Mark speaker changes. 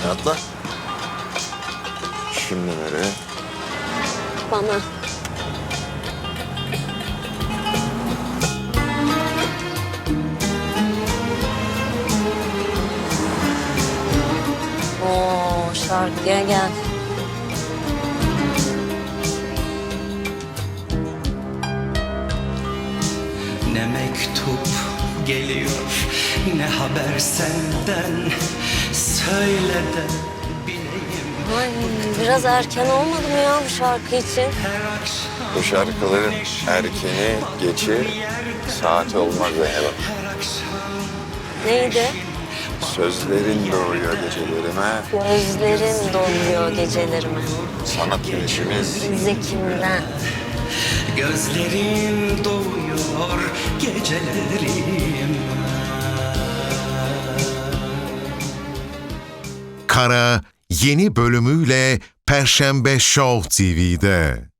Speaker 1: Atla. Şimdi nereye?
Speaker 2: Bana. Oo, şarkıya gel.
Speaker 3: Ne mektup geliyor, ne haber senden. Söyle de bileyim.
Speaker 2: Ay, biraz erken olmadı mı ya bu şarkı için?
Speaker 3: Her akşam
Speaker 1: Bu şarkıların erkeni, geçi, saati olmaz Zeynep.
Speaker 3: her akşam
Speaker 2: Neydi?
Speaker 1: Sözlerin doğuyor gecelerime,
Speaker 2: Gözlerin doluyor gecelerime.
Speaker 1: sanat işimiz.
Speaker 2: Bize kimden?
Speaker 3: gözlerin doğuyor gecelerim.
Speaker 4: Kara yeni bölümüyle Perşembe Show TV'de.